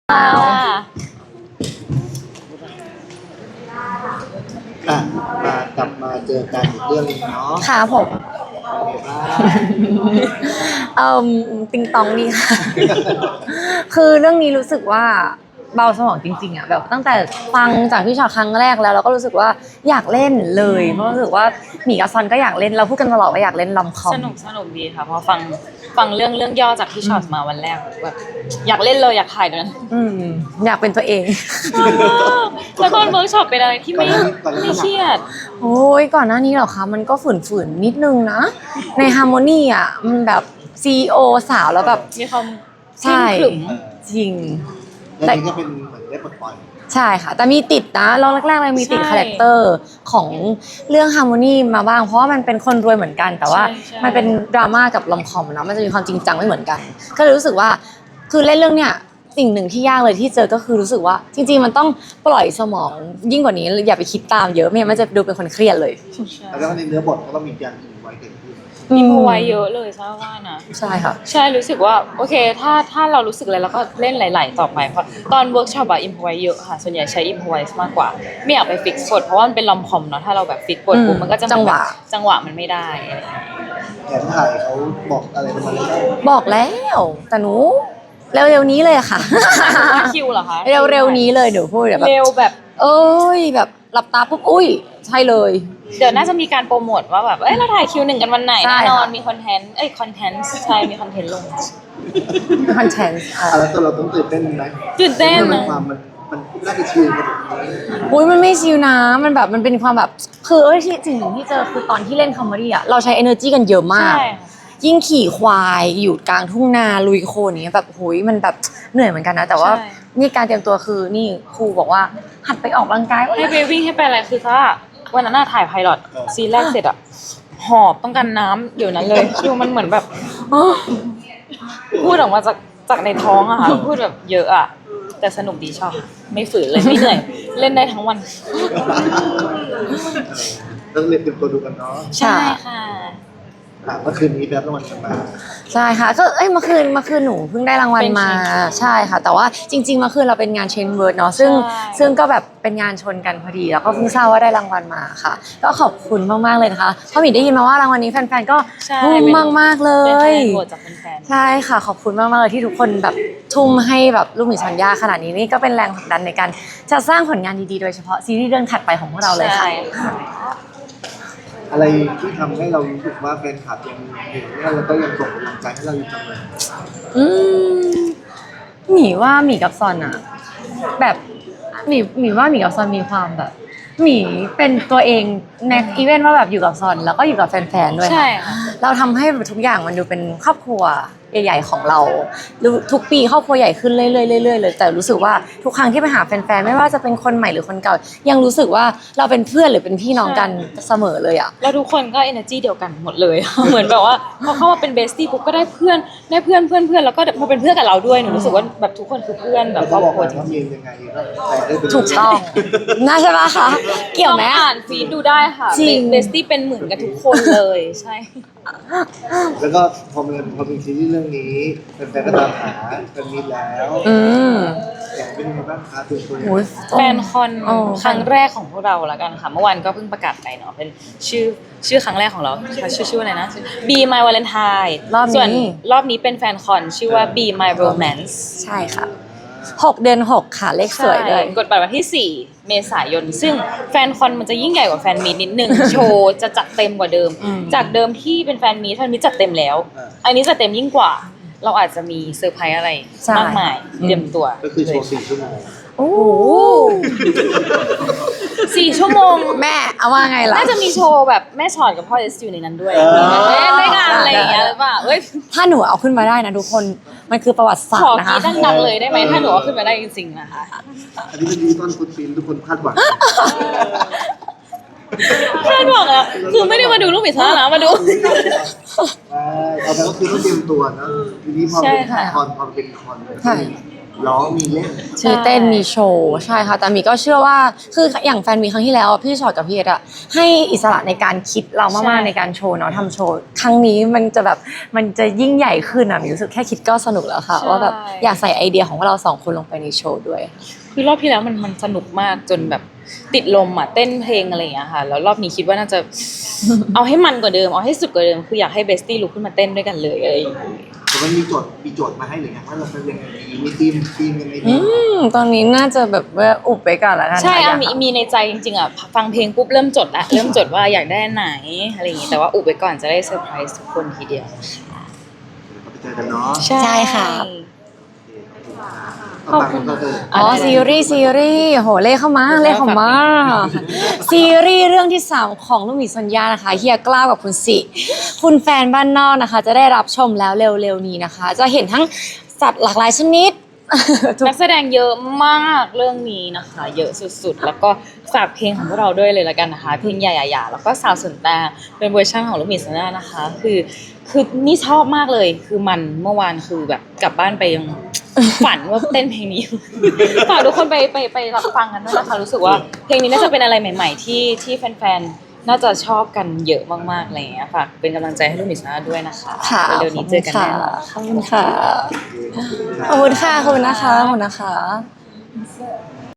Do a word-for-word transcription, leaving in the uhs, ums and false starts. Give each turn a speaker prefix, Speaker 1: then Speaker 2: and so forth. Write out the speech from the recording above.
Speaker 1: ค่ะ
Speaker 2: อ่ะมากลับมาเจอกันอีกเรื่องหนึงเนาะ
Speaker 1: ค่ะผม
Speaker 2: เป็นไงบ้าง
Speaker 1: เอ่มติงตองดีค่ะ คือเรื่องนี้รู้สึกว่าเบาสมองจริงๆอ่ะแบบตั้งแต่ฟังจากพี่ชอตครั้งแรกแล้วเราก็รู้สึกว่าอยากเล่นเลยเพราะรู้สึกว่าหมีกับซอนก็อยากเล่นเราพูดกันตลอดว่าอยากเล่นลอมคอม
Speaker 3: สนุกสนุกดีค่ะเพอฟังฟังเรื่องเรื่องย่อจากที่ช็อตมาวันแรกแบบอยากเล่นเลยอยากถ่ายเดี๋ยวนั้น
Speaker 1: อืมอยากเป็นตัวเอง
Speaker 3: แล้วตอนเวิร์กช็อปเป็นอะไรที่ไม่ไม่เครียด
Speaker 1: โอ้ยก่อนหน้านี้เหรอคะมันก็ฝืนๆนิดนึงนะ ในฮาร์โมนีอ่ะมันแบบซีอีโอสาวแล้วแบบ
Speaker 3: มีความ
Speaker 1: ใช่
Speaker 3: เข้มขรึม
Speaker 1: จริง
Speaker 2: แล้วนี่ก็เป็นเหมือนได้ปลดปล่อย
Speaker 1: ใช่ค่ะแต่มีติดนะลองแรกๆเลยมีติด
Speaker 3: ใช่
Speaker 1: คาแรคเตอร์ของเรื่องฮาร์โมนีมาบ้างเพราะว่ามันเป็นคนรวยเหมือนกัน แต่ว่า
Speaker 3: ใช่ใช่
Speaker 1: มันเป็นดราม่ากับลอมคอมเนาะมันจะมีความจริงจังไม่เหมือนกัน ก็เลยรู้สึกว่าคือเล่นเรื่องเนี้ยสิ่งหนึ่งที่ยากเลยที่เจอก็คือรู้สึกว่า จริง ๆ มันต้องปล่อยสมองยิ่งกว่านี้อย่าไปคิดตามเยอะไม่งั้นมันจะดูเป็นคนเครียดเลย
Speaker 2: แล้วก็ในเนื้อบทก็ต้องมีการอินไว้เกิดขึ้น
Speaker 3: มีพไว้เยอะเลยใช่ว่านะ
Speaker 1: ใช่ค่ะ
Speaker 3: ใช่รู้สึกว่าโอเคถ้าถ้าเรารู้สึกอะไรเราก็เล่นหลายๆต่อไปเพราะตอนเวิร์กช็อปอะอิมพไว้เยอะค่ะส่วนใหญ่ใช้อิมพไว้มากกว่าไม่อยากไปฟิกบทเพราะว่ามันเป็นลอมคอมเนาะถ้าเราแบบฟิกบทปุ๊บ
Speaker 1: อืม
Speaker 3: มันก็จะ
Speaker 1: จังหวะ
Speaker 3: จังหวะมันไม่ได้อะไรอย่างเงี้ย
Speaker 2: แผนถ่ายเขาบอกอะไรเป็นมาเลย
Speaker 1: บอกแล้วแต่หนูเร็วๆนี้เลยค่ะ
Speaker 3: ว่าคิวเหรอคะ
Speaker 1: เร็วๆนี้เลยหนูพูดแบบ
Speaker 3: เร็วแบบ
Speaker 1: เอ้ยแบบหลับตาปุ๊บอุ้ยใช่เลย
Speaker 3: เดี๋ยวน่าจะมีการโปรโมทว่าแบบ เอ้ย เราถ่ายคิวหนึ่งกันวันไหน
Speaker 1: ใช่
Speaker 3: แน่นอน
Speaker 1: ค่ะ
Speaker 3: มีคอนเทนต์ เอ้ย คอนเทนต์ ใช่ มีคอนเทนต์ลง
Speaker 1: คอนเทนต์อ่ะ
Speaker 2: อ่ะแล้วตัวเราต้องตื่นเต้นไหม
Speaker 3: ตื่นเต้น
Speaker 2: มัน
Speaker 3: นะ
Speaker 2: ความมันมันน่าจะชิลกว่านี้
Speaker 1: อุ้ยมันไม่ชิวนะมันแบบมันเป็นความแบบคือเอ้ยที่สิ่งหนึ่งที่เจอคือตอนที่เล่นคอมเมดี้อ่ะเราใช้ energy กันเยอะมาก
Speaker 3: ใช่
Speaker 1: ยิ่งขี่ควายอยู่กลางทุ่งนาลุยโคลนอย่างเนี้ยแบบโหยมันแบบเหนื่อยเหมือนกันนะ แต่ว่า
Speaker 3: ใช่
Speaker 1: นี่การเตรียมตัวคือนี่ครูบอกว่าหัดไปออกกำลังกาย
Speaker 3: ให้ไปวิ่งให้ไปอะไร คือถ้าวันนั้นน่ะถ่ายไพลอตซีนแรกเสร็จอะหอบต้องการน้ำเดี๋ยวนั้นเลยคือมันเหมือนแบบ พูดออกมาจากจากในท้องอะค่ะพูดแบบเยอะอะแต่สนุกดีชอบ ไม่ฝืนเลยไม่เหนื่อย เล่นได้ทั้งวัน
Speaker 2: ต้องเรียนเตรียมตัวดูกันเนาะ
Speaker 3: ใช่ค่ะ
Speaker 2: อ่ะเมื่อคืนนี้แบบรางวัลกันมา
Speaker 1: ใช่ค่ะก็เอ้ยเมื่อคืนเมื่อคืนหนูเพิ่งได้รางวัล
Speaker 3: เป็น
Speaker 1: มา
Speaker 3: Change
Speaker 1: ใช่ค่ะ แต่ว่าจริงๆเมื่อคืนเราเป็นงานเชนเวิร์ดเนาะซึ่ง
Speaker 3: ใช่
Speaker 1: ซึ่งก็แบบเป็นงานชนกันพอดีแล้วก็เพิ่งทราบว่าได้รางวัลมาค่ะ ก็ขอบคุณมากๆเลยนะคะเพราะหมีได้ยินมาว่ารางวัลนี้แฟนๆก็
Speaker 3: ใช่
Speaker 1: ทุ่ม
Speaker 3: เป็น
Speaker 1: มากๆเล
Speaker 3: เป็นคะ
Speaker 1: ย
Speaker 3: แนนโหวตจากแฟนๆ
Speaker 1: ใช่ค่ะขอบคุณมากๆเลยที่ทุกคนแบบทุ่มให้แบบลูกหมีชัญญาขนาดนี้นี่ก็เป็นแรงผลักดันในการจะสร้างผลงานดีๆโดยเฉพาะซีรีส์เรื่องถัดไปของพวกเราเลยค่ะ
Speaker 3: ใช่ค่ะ
Speaker 2: อะไรที่ทำให้เรารู้สึกว่าแฟนคลับยังเห็นเนี่ยแล้วก็ยังส่งกำลังใจให้เราอยู่เสมอ
Speaker 1: อืมหมีว่าหมีกับซอนอะแบบหมีหมีว่าหมีกับซอนมีความแบบหมีเป็นตัวเองในอีเวนต์ว่าแบบอยู่กับซอนแล้วก็อยู่กับแฟนๆด้วย
Speaker 3: ใช่
Speaker 1: ค่ะ
Speaker 3: ค่ะ
Speaker 1: เราทำให้ทุกอย่างมันดูเป็นครอบครัวใหญ่ๆของเราดูทุกปีครอบครัวใหญ่ขึ้นเรื่อยๆเรื่อยๆเลยแต่รู้สึกว่าทุกครั้งที่ไปหาแฟนๆไม่ว่าจะเป็นคนใหม่หรือคนเก่า ยังรู้สึกว่าเราเป็นเพื่อนหรือเป็นพี่น้องกันเสมอเลยอะ
Speaker 3: แล้วทุกคนก็ energy เดียวกันหมดเลย เหมือนแบบว่าพอเข้ามาเป็นเบสตี้ปุ๊บก็ได้เพื่อนได้เพื่อนเพื่อนเพื่อนแล้วก็มาเป็นเพื่อนกับเราด้วยหนูรู้สึกว่าแบบทุกคนคือเพื่อนแบบ
Speaker 2: แล้ว
Speaker 3: คร
Speaker 2: ก็
Speaker 3: อบ
Speaker 2: บอก
Speaker 3: ครัว
Speaker 2: ว่า
Speaker 3: จริง
Speaker 2: เมียนยังไงก็แต่ได้ไปเลย
Speaker 1: ถูกต้องน่าใช่ปะคะเกี่ยวไหม
Speaker 3: ต้องอ่านฟีดดูได้ค่ะ
Speaker 1: จริง
Speaker 3: เบสตี้เป็นเหมือนกันทุกคนเลยใช่
Speaker 2: แล้วก็พอมีพอมีซีรีส์เรื่องนี้แฟนๆก็ตามหาเป็นมิตรแล้ว
Speaker 1: อืม
Speaker 2: อยากเป็นยังไงบ้างคะตื่นตัว
Speaker 1: โอ้ย
Speaker 3: แฟนคอน
Speaker 1: อ๋อ
Speaker 3: ครั้งแรกของพวกเราแล้วกันค่ะเมื่อวานก็เพิ่งประกาศไปเนาะเป็นชื่อชื่อครั้งแรกของเราชื่อชื่อว่าอะไรนะ Be My Valentine
Speaker 1: รอบนี้
Speaker 3: ส่วนรอบนี้เป็นแฟนคอนชื่อว่า Be My Romance
Speaker 1: ใช่ค่ะหกเดือนหกค่ะเลขสวยด้วย
Speaker 3: ใช่กดบัตรวันที่สี่เมษายนซึ่งแฟนคอนมันจะยิ่งใหญ่กว่าแฟนมีตนิดนึง โชว์จะจัดเต็มกว่าเดิม
Speaker 1: อืม
Speaker 3: จากเดิมที่เป็นแฟนมีตแฟนมีตจัดเต็มแล้ว อันนี้จัดเต็มยิ่งกว่า เราอาจจะมีเซอร์ไพรส์อะไรมากมายเตรียมตัว
Speaker 2: ก็คือโชว์สี่ชั่วโมง
Speaker 1: โอ้
Speaker 3: สี่ชั่วโมง
Speaker 1: แม่เอาว่าไงล่ะ
Speaker 3: น่าจะมีโชว์แบบแม่ชอดกับพ่อเอสอยู่ในนั้นด้วยเล่นด้วยกันอะไรอย่างเงี้ยหรือเปล่าเอ้ย
Speaker 1: ถ้าหนูเอาขึ้นมาได้นะทุกคนมันคือประวัติศา
Speaker 3: ข
Speaker 1: ส
Speaker 3: อ
Speaker 1: ตร์นะ
Speaker 3: กรี
Speaker 1: คะ
Speaker 3: ดดังๆเลยได้ไหมถ้าหนูเอาขึ้นมาได้จริงๆนะคะ
Speaker 2: อันนี้เป็นดิจิตอลฟุตปรินท์ทุกคนคาดหวัง
Speaker 3: คาดหวังอะคือไม่ได้มาดูลูกหมีซ่านะมาดู
Speaker 2: ใช่เอาแต่ก็คือต้องเตรียมตัวนะทีนี้พอ
Speaker 3: ใช่
Speaker 2: เป็น
Speaker 3: ค่ะ
Speaker 2: คอนพอเป็นคอน
Speaker 1: ใช่
Speaker 2: ร้องมีเล่น
Speaker 3: ใช่
Speaker 1: มีเต้นมีโชว์ใช่ค่ะแต่มีก็เชื่อว่าคืออย่างแฟนมีครั้งที่แล้วอะพี่ชอตกับพี่เอ็ดอะให้อิสระในการคิดเรา
Speaker 3: ใช่
Speaker 1: มากๆในการโชว์เนาะทำโชว์ครั้งนี้มันจะแบบมันจะยิ่งใหญ่ขึ้นอะมีรู้สึกแค่คิดก็สนุกแล้วค่ะว่าแบบอยากใส่ไอเดียของเราสองคนลงไปในโชว์ด้วย
Speaker 3: คือรอบที่แล้วมันมันสนุกมากจนแบบติดลมอ่ะเต้นเพลงอะไรอย่างเงี้ยค่ะแล้วรอบนี้คิดว่าน่าจะ เอาให้มันกว่าเดิมเอาให้สุดกว่าเดิมคืออยากให้เบสตี้ลุกขึ้นมาเต้นด้วยกันเลยอะไรอย่างเงี้ย
Speaker 2: แต่มันมีโจทย์มีโจทย์มาให้หรือยังว่าเราจะยังไงดีมีทีมทีมยังไง
Speaker 1: อื
Speaker 2: ดี
Speaker 1: มตอนนี้น่าจะแบบว่าอุบไปก่อนแล้วกัน
Speaker 3: ใช่
Speaker 1: ค่
Speaker 3: อะ
Speaker 1: ยาก
Speaker 3: มีมีในใจจริงๆอ่ะฟังเพลงปุ๊บเริ่มจดละเริ่มจดว่าอยากได้อันไหนอะไรอย่างงี้แต่ว่าอุบไว้ก่อนจะได้เซอร์ไพรส์ทุกคนทีเดียว
Speaker 2: เราไปเจอกันเนาะ
Speaker 1: ใช่ค่ะ
Speaker 2: ขอบคุณก็คือ
Speaker 1: อ๋อซีรีส์ซีรีส์โหเลขเข้ามาเลขเข้ามาซีรีส์เรื่องที่สามของลูกหมีสัญญานะคะเฮียกล้าวกับคุณสิคุณแฟนบ้านนอกนะคะ จะได้รับชมแล้วเร็วๆนี้นะคะ จะเห็นทั้งสัตว์หลากหลายชนิด ทุก
Speaker 3: นักแสดงเยอะมากเรื่องนี้นะคะ เยอะสุดๆ แล้วก็ฝากเพลงของพวกเราด้วยเลยละกันนะคะ เพลงใหญ่ๆๆแล้วก็สาวสนตาเป็นเวอร์ชันของลูกหมีสัญญานะคะ คือคือนี่ชอบมากเลย คือมันเมื่อวานคือแบบกลับบ้านไปยัง ฝันว่าเต้นเพลงนี้ ฝากทุกคนไปไปไปรับฟังกันด้วยนะคะ รู้สึกว่าเพลงนี้น่าจะเป็นอะไรใหม่ ๆ ที่ที่แฟนๆ น่าจะชอบกันเยอะมากๆอะไรอย่างเงี้ยฝากเป็นกำลังใจให้ลูกหมีสัญญาด้วยนะคะ
Speaker 1: ค่ะ
Speaker 3: เร็วๆนี้เจอกันแน่นอน
Speaker 1: ขอบคุณค่ะ ขอบคุณค่ะ ขอบคุณนะคะ ขอบคุณนะคะ